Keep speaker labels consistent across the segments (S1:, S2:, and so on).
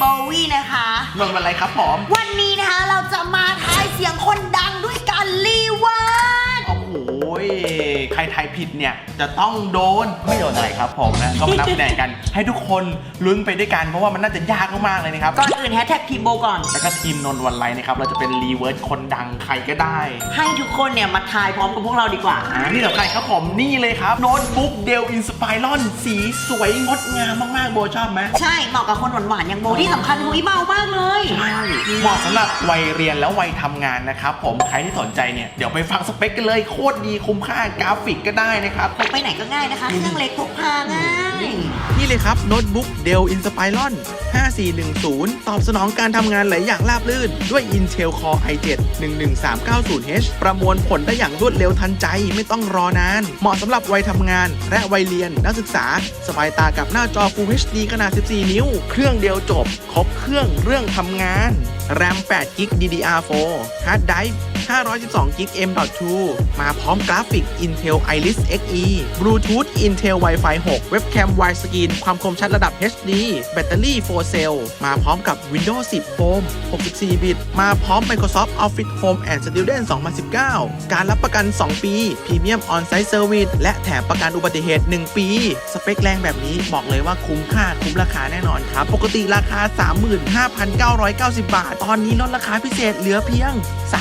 S1: บวี่นะคะ
S2: นนท์อะไรครับผม
S1: วันนี้นะคะเราจะมาทายเสียงคนดังด้วยการรีเวิร์ส
S2: โอ้โหใครทายผิดเนี่ยจะต้องโดนไม่โดนอะไรครับผมนะก็มานับคะแนนกันให้ทุกคนลุ้นไปด้วยกันเพราะว่ามันน่าจะยากมากๆเลยนะครับ
S1: ก่อนอื่นแฮชแท็กทีมโบก่อน
S2: แล้วก็ทีมนนท์วันไรนะครับเราจะเป็นรีเวิร์สคนดังใครก็ได้
S1: ให้ทุกคนเนี่ยมาทายพร้อมกับพวกเราดีกว่า
S2: ที่สำคัญครับผมนี่เลยครับโน้ตบุ๊กเดลอินสไปรอนสีสวยงดงามมากๆโบชอบไหม
S1: ใช่เหมาะกับคนหวานๆอย่างโบที่สำคัญหุยเบามากเลย
S2: ใช่เหมาะสำหรับวัยเรียนแล้ววัยทำงานนะครับผมใครที่สนใจเนี่ยเดี๋ยวไปฟังสเปคกันเลยโคตรดีคุ้มค่ากราฟิกก็ได้นะครับ
S1: พกไปไหนก็ง่ายนะคะเครื่องเล็กพกพาง่าย
S2: นี่เลยครับโน้ตบุ๊ก Dell Inspiron 5410 ตอบสนองการทำงานหลายอย่างราบรื่นด้วย Intel Core i7 11390H ประมวลผลได้อย่างรวดเร็วทันใจไม่ต้องรอนานเหมาะสำหรับวัยทำงานและวัยเรียนนักศึกษาสบายตากับหน้าจอ Full HD ขนาด 14 นิ้วเครื่องเดียวจบครบเครื่องเรื่องทำงาน RAM 8 g b DDR4 Hard Drive 512 g b M.2 มาพร้อมกราฟิก Intel Iris Xe Bluetooth Intel Wi-Fi 6 Webcam Widescreen ความคมชัดระดับ HD แบตเตอรี่ 4 เซลล์มาพร้อมกับ Windows 10 Home 64 บิตมาพร้อม Microsoft Office Home and Student 2019 การรับประกัน 2 ปี Premium On-Site Service และแถมประกันอุบัติเหตุ 1 ปี สเปคแรงแบบนี้บอกเลยว่าคุ้มค่าคุ้มราคาแน่นอนครับปกติราคา 35,990 บาทตอนนี้ลดราคาพิเศษเหลือเพียง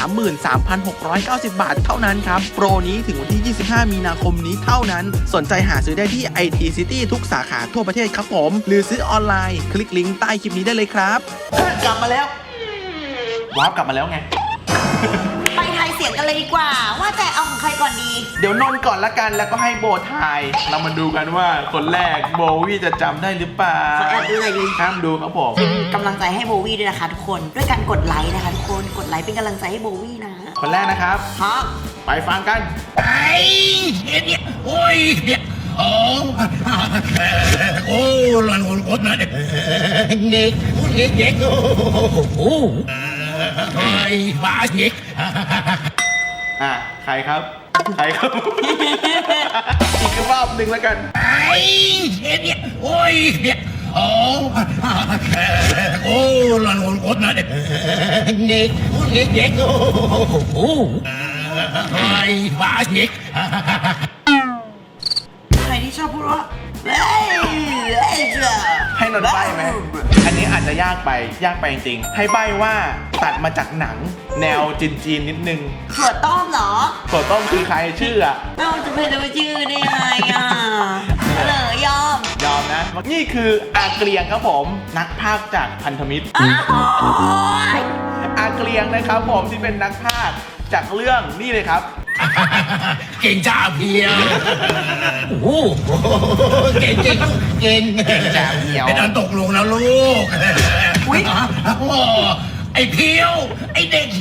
S2: 33,690 บาทเท่านั้นครับโปรนี้ถึงวันที่ 25 มีนาคมนี้เท่านั้นสนใจหาซื้อได้ที่ IT City ทุกสาขาทั่วประเทศครับผมหรือซื้อออนไลน์คลิกลิงก์ใต้คลิปนี้ได้เลยครับกลับมาแล้วว้าวกลับมาแล้วไง
S1: ไปทายเสียงกันเลยดีกว่าว่าแต่เอาของใครก่อนดี
S2: เดี๋ยวนนก่อนละกันแล้วก็ให้โบทายเรามาดูกันว่าคนแรกโบวี่จะจำได้หรือเปล่า
S1: ขอแอบดูหน่อยดิ
S2: ห้ามดูครับผม
S1: กำลังใจให้โบวี่ด้วยนะคะทุกคนด้วยการกดไลค์นะคะทุกคนกดไลค์เป็นกำลังใจให้โบวี่นะ
S2: คนแรกนะครับ
S1: ครับ
S2: ไปฟังกัน
S3: ไอ้เนี่ยโอ้ยเนี่ยโอ้โอ้ลันคนนั้นเด็กเด็กโอ้ไอ้บ้าเด็ก
S2: ใครครับใครครับอีกรอบหนึ่งแล้วกัน
S3: ไอ้เนี่ยโอ้ยเนี่ยโอ้ลันคนนั้นเด็กเด็กโอ้ไอ้บ้าเด็ก
S1: ใครที่ชอบพูดว่า
S2: ให้นนใบ้ไหมอันนี้อาจจะยากไปจริงให้ใบ้ว่าตัดมาจากหนังแนวจีนนิดนึง
S1: ถั่วต้มเหรอ
S2: ถั่วต้มคือใครชื่อ
S1: เราจะไปรู้ชื่อได้ยังไงเลยย
S2: อมนะนี่คืออาเกลียงครับผมนักพากย์จากพันธมิตรอาเกลียงนะครับผมที่เป็นนักพากย์จากเรื่องนี่เลยครับ
S3: เก่งจ้าเพียวโอ้โหเก่ง
S2: จ้าเพียว
S3: เป็นอันตกลงนะลูก
S1: อุ้ย
S3: ไอเพียวไอเด็ก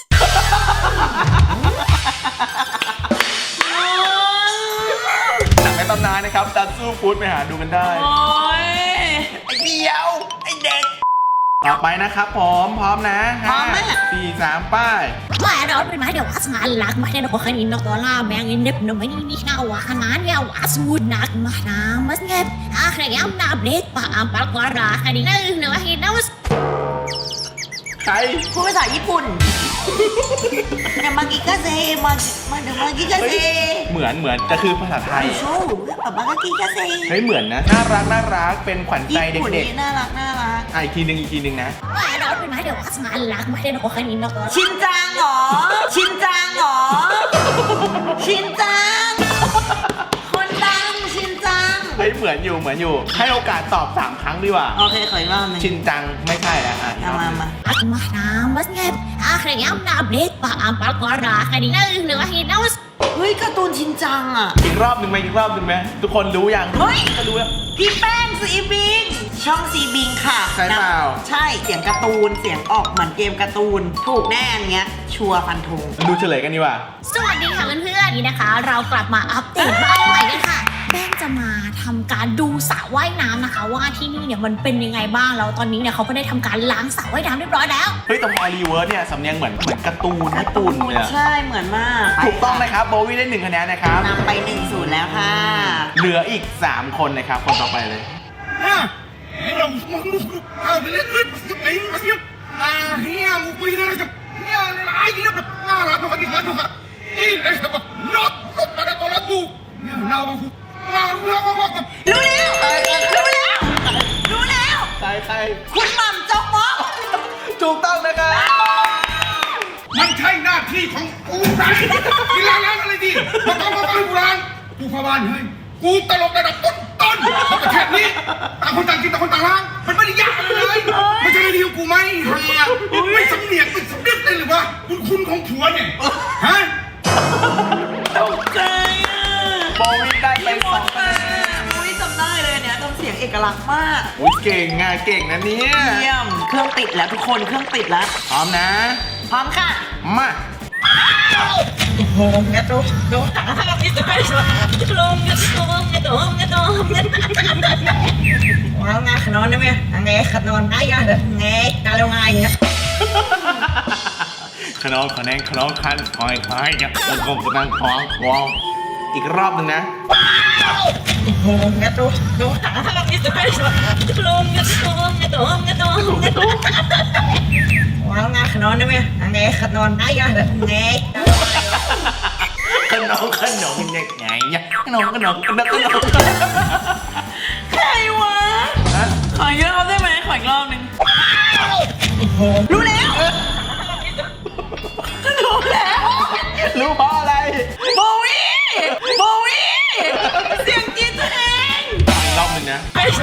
S2: หนังในตำนานนะครับดันสู้ฟูดไปหาดูกันได้ไอเพียวไอเด็กต่อไปนะครับผมพร้อมนะ4 3ป้าย
S4: ว่าเราเป็นไม้เดี๋ยวสงานหลักมาเนี่ยคนนี้นกตัวล่าแมงอินเด็บหนุ่มไม่นี่น่าว่าขนาดเนี่ยว่าสูดหนักมาหนามาเงียบใครย้ำนาเบรกป่าปากวาระอันนี้นั่นเนื้อหินนะว่า
S2: ใคร
S1: พูดภาษาญี่ปุ่นเนี่ยมากิกาเซมาเดี๋ยวมากิกาเซ
S2: เหมือนแต่คือภาษาไทย
S1: โชว์แบบมากิกาเซ
S2: เฮ้ยเหมือนนะน่ารักเป็นขวัญใจเด็ก
S1: ๆน่ารัก
S2: อีกทีนึงนะ
S4: ว่าเราเป็นไม้เดี๋ยวสงานหลักมาเนี่ยคนนี้นกตัว
S1: ชินจังเหรอชินจังคนดังชินจัง
S2: เฮ้ยเหมือนอยู่ให้โอกาสตอบ3 ครั้งดีกว่า
S1: โอเคขออีกรอบนึง
S2: ชินจังไม่ใช่แล้ว
S1: มา
S4: หนามาเงียบใครย้ำนาเบรกป่าปากวาระอันนี้นั่นเนื้อหินนะว่า
S1: เฮ้ยการ์ตูนชินจัง
S2: อีกรอบหนึ่งไหมทุกคนรู้ยัง
S1: เฮ้ย
S2: ก็รู้แล้ว
S1: พี่แป้งซีบิงช่องซีบิงค่ะ
S2: ใช่เปล่า
S1: ใช่เสียงการ์ตูนเสียงออกเหมือนเกมการ์ตูนถูกแน่เงี้ยชัวร์ฟันธง
S2: ดูเฉลยกันดีกว่า
S4: สวัสดีค่ะเพื่อนๆนี่นะคะเรากลับมาอัปเดตบ้านใหม่กันค่ะแป้งจะมาทำการดูสระว่ายน้ำนะคะว่าที่นี่เนี่ยมันเป็นยังไงบ้างแล้วตอนนี้เนี่ยเขาก็ได้ทำการล้างสระว่ายน้ำเรียบร้อยแล้ว
S2: เฮ้ยตรงรีเวิร์สเนี่ยสำเนียงเหมือนการ์ตูนญี่ปุ่นเลย
S1: ใช่เหมือนมาก
S2: ถูกต้องนะครับโบวี่ได้1 คะแนนนะครับ
S1: นำไป1-0แล้วค่ะ
S2: เหลืออีก3 คนนะครับคนต่อไปเลย
S3: น้องเอาไปเล่นไอ้เหี้ยเฮียมึงไปเลยจ้ะเฮียไอ้เหี้ยแบบน่ารักมากดิครับนี่ไอ้แบบน็อตมาได้ตัวละกูเนี่ยน่ารักมาก
S1: รู้แล้ว
S2: ใคร
S1: คุณหม่ำจกมก
S2: ถูกต้องนะครับ
S3: มันใช่หน้าที่ของกูไหนกีฬาล้างอะไรดีมาต้องมาบ้านกูล้างกูเข้าบ้านเฮ้ยกูตลกระดับต้นของประเทศนี้ต่างคนต่างกินต่างคนต่างล้างมันไม่ได้ยากอะไรเลยไม่ใช่หน้าที่ของกูไหมไม่สำเนียกไม่สำนึกเลยหรือวะคุณของผัวเนี่ยฮะ
S1: ตกใจอ่ะ
S2: โบวี่ได้ไป2 คะแนน
S1: อุ้ยจำได้เลยเนี่ยทำเสียงเอกลักษณ์มาก
S2: อุ้ยเก่งนะเนี่ย
S1: เยี่ยมเครื่องติดแล้วทุกคนเครื่องติดแล้ว
S2: พร้อมนะ
S1: พร้อมค่ะ
S2: มา
S1: โอ้งะตุ๊กตุ๊กว้าวงาขนอนได้ไหมไงขนอนได้ยังไงกาลงไงเนี่ย
S2: ขนองขอแนงขนองคันคอยเนี่ยตะกงกระดังของวองอีกรอบหนึ่งนะ
S1: โอ้งะตุ๊กตุ๊กว้าวงาขนอนได้ไหมไงขนอนได้ยังไง
S2: ขนองเนี่ยไงเนี่ยขนอง
S1: ใครวะ
S2: ฮะ
S1: ขออีกรอบได้ไหมขออีกรอบหนึ่งรู้แล้ว
S2: รู้เพราะอะไร
S1: โบวี่เสียงกรีดตัวเอง
S2: อีกรอบหนึ่งนะ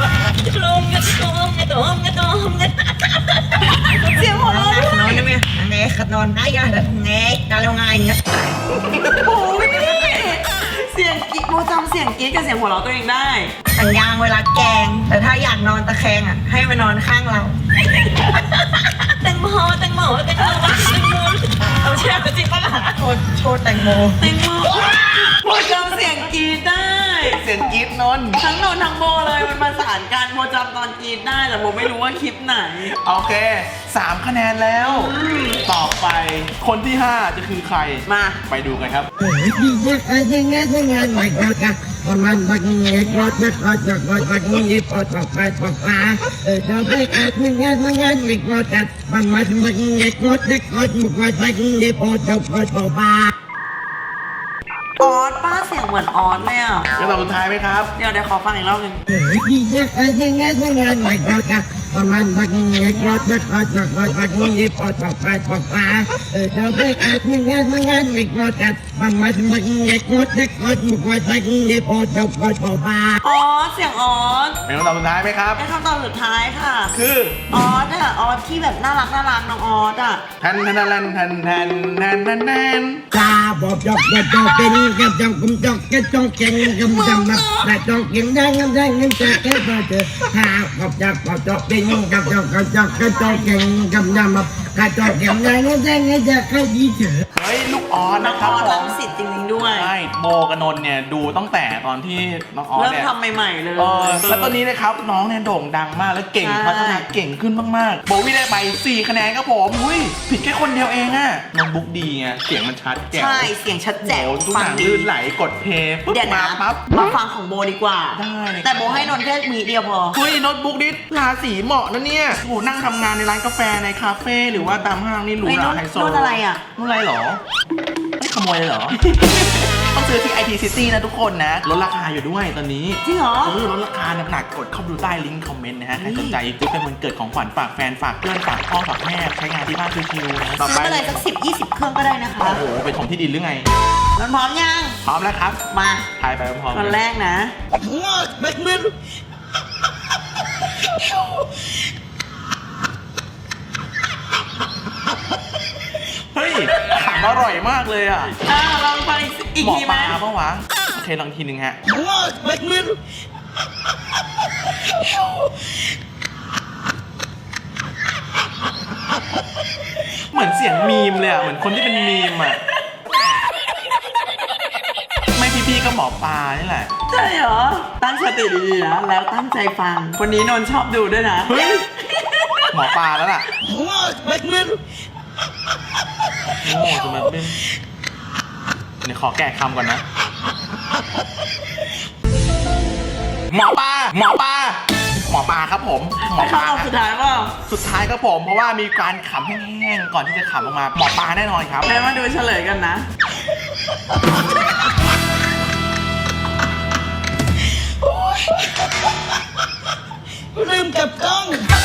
S1: เสียงหัวเราะขนอนได้ไหมไงขนอนได้ยังไงกาลงไงเนี่ยโอ้ยเสียงกรีดโบจำเสียงกรีดกับเสียงหัวเราะตัวเองได้สัญญาณเวลาแกงแต่ถ้าอยากนอนตะแคงอ่ะให้มานอนข้างเราแตงโมเอาเชื่อจริงปะล่ะโชว์แตงโมโบจำเสียงกรีดได้
S2: เสียงกรี๊ดนนท์
S1: ทั้งโนนทั้งโบเลยมันมาสานกันโบจำตอนกรีดได้แต่โบไม่รู้ว่าคลิปไหน
S2: โอเค3 คะแนนแล้ว ต่อไปคนที่ 5 จะคือใคร
S1: มา
S2: ไปดูกันครับ
S1: ออสป้าเสียงเหมือนออสเลยอ่ะ
S2: จะตอบสุดท้ายไหมครับ
S1: เดี๋ยวขอฟังอีกรอบหนึ่งออสเสียงออส
S2: เป็นคำตอบสุดท้ายไหมครับ
S1: ได้คำตอบสุดท้ายค่ะ
S2: คือ
S1: ออสอ่ะออสที่แบบน่ารักน้องออสอ่ะ
S2: แทน
S5: ตาบอบจอกกระจอกเป็นกับจอกกุมจอกกระจอกเก่งกำจำแบบแต่จอกเก่งได้เงินจะแค่พอเจอหาบอบจอกเป็นกับจอกกระจอกเก่งกำจำแบบกระจอกเก่งได้เงินจะแค่ยี่เฉย
S2: เฮ้ยลูกออส
S1: น้อ
S2: นะ
S1: ง
S2: ค
S1: อ
S2: รับ
S1: อส
S2: ผ
S1: รั
S2: ม
S1: งสิตจริงๆด้วย
S2: ใช่โบกับนนท์เนี่ยดูตั้งแต่ตอนที่น้องออส
S1: เริ่ม
S2: เนี่ย
S1: ทำใหม่ๆเลย
S2: แล้วตอนนี้นะครับน้องเนี่ยโด่งดังมากและเก่ง
S1: ใช่
S2: พัฒนาเก่งขึ้นมากๆโบวี่ได้ไป4 คะแนนครับผมอุ้ยผิดแค่คนเดียวเองอะน้องบุ๊กดีไงเสียงมันชัดแจ๋ว
S1: ใช่เสียงชัดแจ๋ว
S2: โอ้ทุกอ
S1: ฟัง
S2: ย่าง
S1: ดี
S2: ลื่นไหลกดเพลย์ปุ๊บ
S1: เดี๋ยว
S2: มา
S1: นะ
S2: ปั๊บ
S1: มาฟังของโบดีกว่า
S2: ได้เลย
S1: แต่โบให้นนท์แค่มีเดียวพอ
S2: เฮ้ยโน้ตบุ๊กนี่ราศีเหมาะนะเนี่ยโอ้โหนั่งทำงานในร้านกาแฟในคาเฟ่หรือว่าตามห้างนี่หรู
S1: เฮ้ย
S2: หรา
S1: โน้ต
S2: ไฮโซ
S1: โน้ตอะไรอะ
S2: โน้ตอะไรเหรอไม่ขโมยเลยเหรอ ต้องซื้อที่ IT City นะทุกคนนะลดราคาอยู่ด้วยตอนนี้
S1: จริงเหรอ
S2: ลดราคาหนักๆกดเข้าไปดูใต้ลิงก์คอมเมนต์นะฮะใครสนใจซื้อเป็นวันเกิดของขวัญฝากแฟนฝากเพื่อนฝากพ่อฝากแม่ใช้งานที่บ้านชิวๆนะต่อ
S1: ซื้อ
S2: ไป
S1: อะไรสัก10-20 เครื่องก็ได้นะคะ
S2: โอ้โหไปถมที่ดินหรือไง
S1: นนท์พร้อมยัง
S2: พร้อมแล้วครับ
S1: มา
S2: ทายไปพร้อมๆ
S1: คน
S2: กั
S1: แรกนะ
S2: เฮ้ยขำอร่อยมากเลยอ่ะ
S1: ลองฟังอีก
S2: หมอ
S1: ที
S2: ป
S1: ไหม
S2: ลาปะวะโอเคลองทีหนึ่งฮะเหมือนเสียงมีมเลยอ่ะเหมือนคนที่เป็นมีมอ่ะไม่พี่ๆก็หมอปลานี่แหละ
S1: ใช่เหรอ ตั้งสติดีๆนะ แล้วตั้งใจฟัง คนนี้นนท์ชอบดูด้วยนะ
S2: เฮ้ยหมอปลาแล้วล่ะโอ้จะมาเป็นเดี๋ยวขอแก้คำก่อนนะ หมอปลาหมอปลาครับผมหมอป
S1: ข้า
S2: ลาว
S1: สุดท้ายเปล่า
S2: สุดท้ายครับผมเพราะว่ามีการขำแห้งๆก่อนที่จะขำออกมาหมอปลาแน่นอนครับ
S1: แม่มาดูเฉลยกันนะ
S5: ลืมกับกล้อง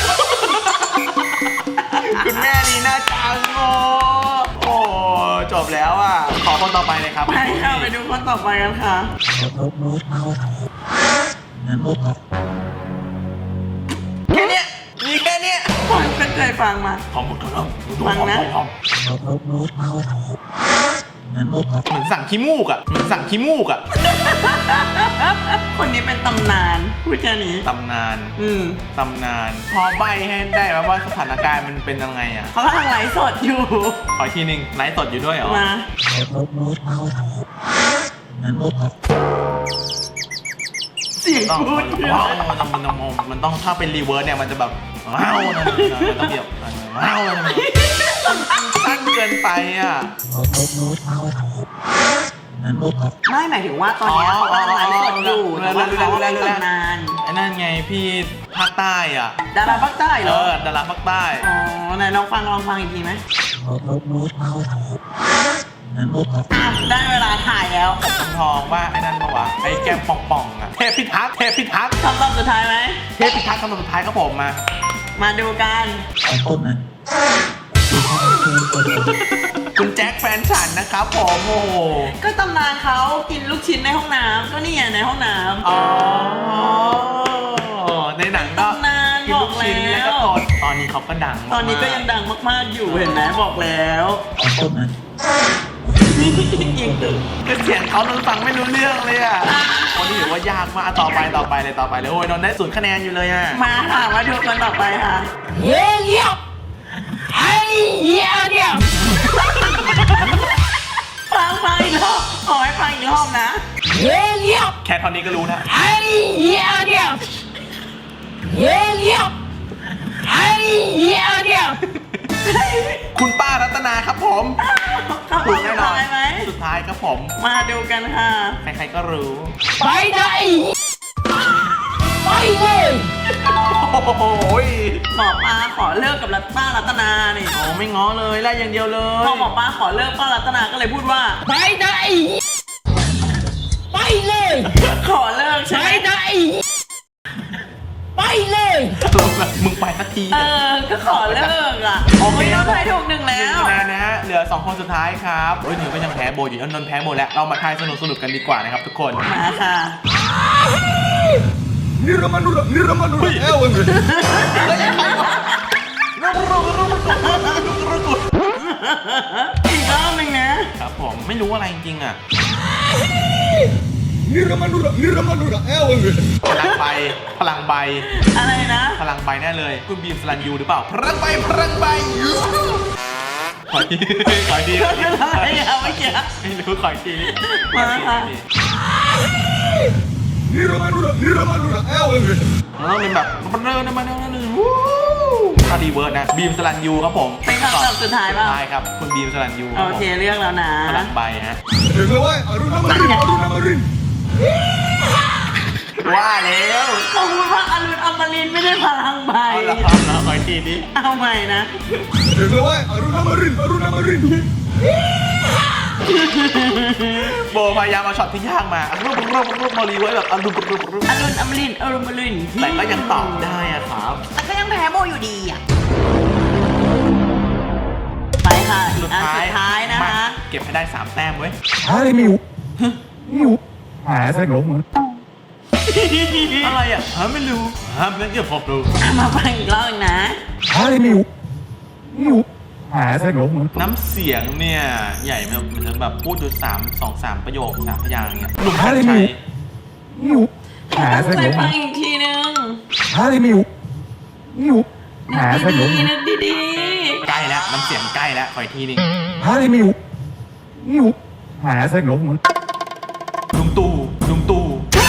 S2: คุณแม่ลีน่าจังโอ้จบแล้วอ่ะขอคนต่อไปเลยครับ
S1: ไปค่ะไปดูคนต่อไปกันค่ะ
S2: แค่เนี้ยมีแค่เนี้ย
S1: ผมก็เคยฟังมา
S2: หอมหมดแล้ว
S1: ฟังนะ
S2: หอมเหมือนสั่งขี้มูกอ่ะเหมือนสั่งขี้มูกอ่ะ
S1: คนนี้เป็นตำนานพูดแค่นี้
S2: ตำนาน ตำนาน พอใบให้ได้ไหมว่าสถานการณ์มันเป็นยังไงอ่ะ
S1: เขากำลังไลฟ์สดอยู่
S2: ขออีกทีหนึงไลฟ์สดอยู่ด้วยเหรอ
S1: มา เสียง
S2: ต้อง
S1: พูดเย
S2: ว้าว
S1: อะ
S2: มันต้องถ้าเป็นรีเวิร์สเนี่ยมันจะแบบว้าวนะมันต้องแบบว้าวนะมันสั้นเกินไปอ่ะ
S1: ไม่หมายถึงว่าตอนนี้เขากำลังไลฟ์สดอยู่แต่ว่าเขาเป็นตำนาน
S2: ไอ้นั่นไงพี่ภาคใต้อ่ะ
S1: ดาราภาคใต้เหรอ
S2: ดาราภาคใต้
S1: อ๋อไหนลองฟังอีกทีไหมได้เวลาถ่ายแล้ว
S2: ทองว่าไอ้นั่นปะวะไอ้แก้มป่องๆอ่ะเทพพิทักษ์
S1: คำตอบสุดท้ายไหม
S2: เทพพิทักษ์คำตอบสุดท้ายครับผมมา
S1: มาดูกัน
S2: คุณแจ็คแฟนฉันนะครับผมโอ้โห
S1: ก็ตำนานเขากินลูกชิ้นในห้องน้ำก็นี่ไงในห้องน้ำ
S2: อ๋อในหนังก็
S1: ตำนาน
S2: กินลูกชิ้น
S1: บอกแล้ว
S2: แล้วก็ตดตอนนี้เขาก็ดัง
S1: ตอนนี้ก็ยังดังมากๆอยู่เห็นไหมบอกแล้วยิงตึก
S2: คือเสียงเขานนฟังไม่รู้เรื่องเลยอ่ะคนนี้ถือว่ายากมากต่อไปเลยโอ้ยนนได้0 คะแนนอยู่เลยอ่ะ
S1: มาค่ะมาดูคนต่อไปค่ะ
S5: เฮ้ยไอ้เหี้ยเนี่ย
S1: ฟังอีกรอบขอให้ฟังอีกรอบนะ
S5: เฮ้ย
S2: แค่ตอนนี้ก็รู้นะ
S5: ไอ้เหี้ยเนี่ยเฮ้ยไอ้เหี้ยเนี่ย
S2: คุณป้ารัตนาครับผม
S1: เขาตอบสุดท้ายไหม
S2: สุดท้ายครับผม
S1: มาดูกันค่ะ
S2: ใครๆก็รู้
S5: ไปไหนไปเลย
S2: โอ้โห
S1: หมอปลาขอเลิกกับป้ารัตนานี่
S2: โอ้ไม่ง้อเลยไล่อย่างเดียวเลย
S1: พอหมอปลาขอเลิกป้ารัตนาก็เลยพูดว่า
S5: ไปไหนไปเลย
S1: ขอเลิกใช่
S5: ไป
S1: ไหม
S5: ไหนไปเลย
S2: มึงไปสักที
S1: ก็ขอเลิกอ่ะ
S2: โอเค
S1: เราทายถูก1 แล้ว
S2: 1 คะแนนนะฮะเหลือ2 คนสุดท้ายครับโอ้ยหนึ่งก็ยังแพ้โบอยู่นนท์แพ้โบแล้วเรามาทายสนุกกันดีกว่านะครับทุกคน
S1: มาค่ะ อีกรอบหนึ่งนะครับ
S2: ผมไม่รู้อะไรจริงๆอ่ะพลังใบ
S1: อะไรนะ
S2: พลังใบแน่เลยคุณบีมสลันยูหรือเปล่าพลังใบขอที
S1: อะไรอะเมื่อกี้
S2: ไม่รู้ขอที
S1: มาค่ะ
S2: แล้วเป็นแบบเริ่มมาถ้าดีเวิร์ดนะบีมสลันยูครับผม
S1: เป็นคำตอบสุดท้ายป่ะ
S2: ใช่ครับคุณบีมสลันยู
S1: โอเคเลือกแล้วนะ
S2: พลังใบฮะว่าแล้ว
S1: เขาพูดว่าอรุณอมรินทร์ไม่ได้พลังใบ
S2: เอาละขอทีนี้
S1: เอาใหม่นะ
S2: โบพยายามเอาช็อตที่ยากมารูปมารีไว้แบบอารมณ์
S1: อรุณอมรินทร์อรุณอมรินทร์
S2: แต่ก็ยังตอบได้อะครับ
S1: แต่ก็ยังแพ้โบอยู่ดีอ่ะ ไปค่ะ อีกอันสุดท้ายนะคะ
S2: เก็บให้ได้3 แต้มเว้ย อะไรอ่ะไม่รู้ไม่เดี๋ยวผมดู
S1: มาฟังอีกรอบหนึ่งนะ
S2: น้ำเสียงเนี่ยใหญ่มันจะแบบพูดอยู่2-3 ประโยค3 พยางค์เนี่ยหนุ่มกัญชัย
S1: ไปฟังอีกทีนึงนึกดี
S2: ใกล้แล้วน้ำเสียงใกล้แล้วขออีกทีนึงลุงตู่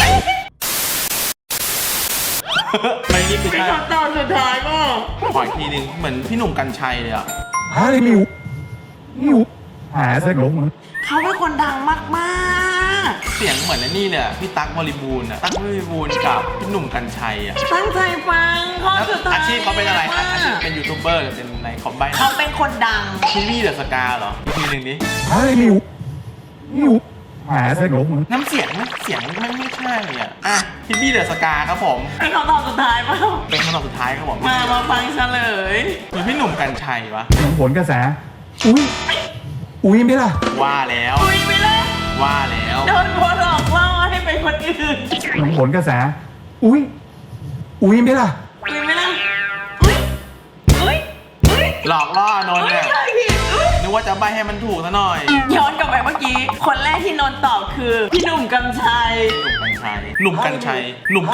S2: ไม่นี่คือ
S1: ๆเป็นคำตอบสุดท้ายก็
S2: ขออีกทีนึงเหมือนพี่หนุ่มกัญชัยเลยอ่ะ
S1: เขาเป็นคนดังมากๆ
S2: เสียงเหมือนไอ้นี่เลยอะพี่ตั๊กบริบูรณ์อะตั๊กบริบูรณ์กับพี่หนุ่มกรรชัยอะ
S1: ตั้งใจฟังข้อ
S2: แล้ว
S1: สุดท้าย
S2: อาชีพเขาเป็นอะไรครับ
S1: ม
S2: อาชีพเป็นยูทูบเบอร์หรือเป็นอะไรขอใบหน่
S1: เขา
S2: อย
S1: เป็นคนดัง
S2: ทีวีเดอะสกาเหรออีกทีหนึ่งดิ
S6: เฮ้ยมิวแหมเสกหลง
S2: น้ำเสียงไม่ใช่อ่ะทีวีเดอะสกาครับผม
S1: เป็นคำตอบสุดท้ายเปล่า
S2: เป็นคำตอบสุดท้ายครับผม
S1: มาฟังเฉลย
S2: หรือพี่หนุ่มกรรชัยวะ
S6: ผลกระแส อุ้ยไหมล่ะ
S2: ว่าแล้ว
S1: อุ้ยไปเลย
S2: ว่าแล้ว
S1: โดนคนหลอกล่อให้เป็นคนอื่น
S6: ผลกระแส อุ้ยไหมล่ะ
S1: อุ้ยไม่ล่ะอุ้ยอุ้ยอุ้ย
S2: หลอกล่อนนท์
S1: อุ้ย
S2: เนี่ย
S1: ใช่ผิดอุ้ย
S2: นึกว่าจะใบให้มันถูกซะหน่อย
S1: ย้อนกลับไปเมื่อกี้ คนแรกที่นนท์ตอบคือ พี่หนุ่มกำชัย
S2: หนุ่มกรรชัย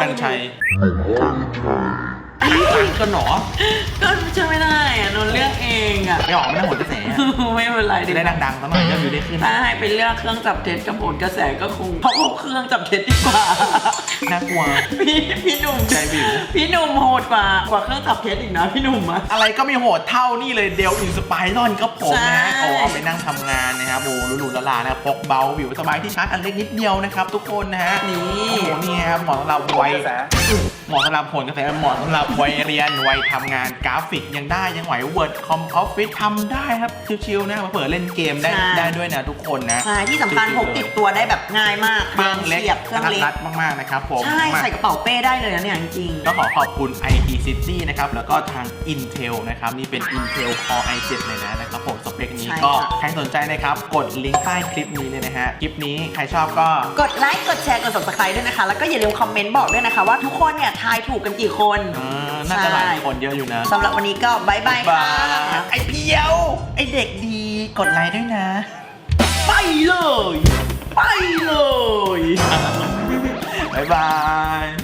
S2: กันหนอ
S1: ก็ช่วยไม่ได้อะนนท์เลือกเองอะ
S2: ไม่ออกไม่ได้ผลกระแสอะ
S1: ไม่เป็นไร
S2: จะได้ดังๆซะหน่อยก็อยู่ได้ขึ้น
S1: ถ้าให้ไปเลือกเครื่องจับเท็จกับผลกระแสก็คงเพราะเครื่องจับเท็จดีกว่า
S2: น่ากลัว
S1: พี่หนุ่ม
S2: ใจวิว
S1: พี่หนุ่มโหดกว่าเครื่องจับเท็จอีกนะพี่หนุ่มอะ
S2: อะไรก็ไม่โหดเท่านี่เลยเดลอินสไปรอนก็ผมนะฮะ
S1: ใช่
S2: โอ้เอาไปนั่งทำงานนะครับโอ้หรูๆละๆนะพกเบาวิวสบายที่ชาร์จอันเล็กนิดเดียวนะครับทุกคนนะฮะ
S1: นี่
S2: โอ้โหนี่ครับเหมาะสำหรับวัยเหมาะสำหรับผลกระแสเหมาะสำหรับวัยเรียนวัยทำงานกราฟิกยังได้ยังไหว Word Com Office ทำได้ครับชิวๆนะมาเปิดเล่นเกมได้ด้วยนะทุกคนนะ
S1: ใช่ที่สำคัญพกติดตัวได้แบบง่ายมาก
S2: เครื่องเล็ก
S1: สียบเครื่องเล็ก
S2: รัดมากๆนะครับผม
S1: ใช่ใส่กระเป๋าเป้ได้เลยนะเนี่ยจริง
S2: ก็ขอบคุณ IT City นะครับแล้วก็ทาง Intel นะครับนี่เป็น Intel Core i7 เลยนะครับผมสเปคนี้
S1: ใช่
S2: ก็
S1: ค่ะ
S2: ใครสนใจนะครับกดลิงก์ใต้คลิปนี้เลยนะฮะคลิปนี้ใครชอบก็
S1: กดไลค์กดแชร์กด subscribe ด้วยนะคะ แล้วก็อย่าลืมคอมเมนต์บอกด้วยนะคะว่าทุกคนเนี่ยทายถูกกันกี่คน
S2: น่าจะหลายคนเยอะอยู่นะ
S1: สำหรับวันนี้ก็บายบายค่ะ
S2: ไอเพียว ไอเด็กดีกดไลค์ด้วยนะ ไปเลย ไปเลย บ๊ายบาย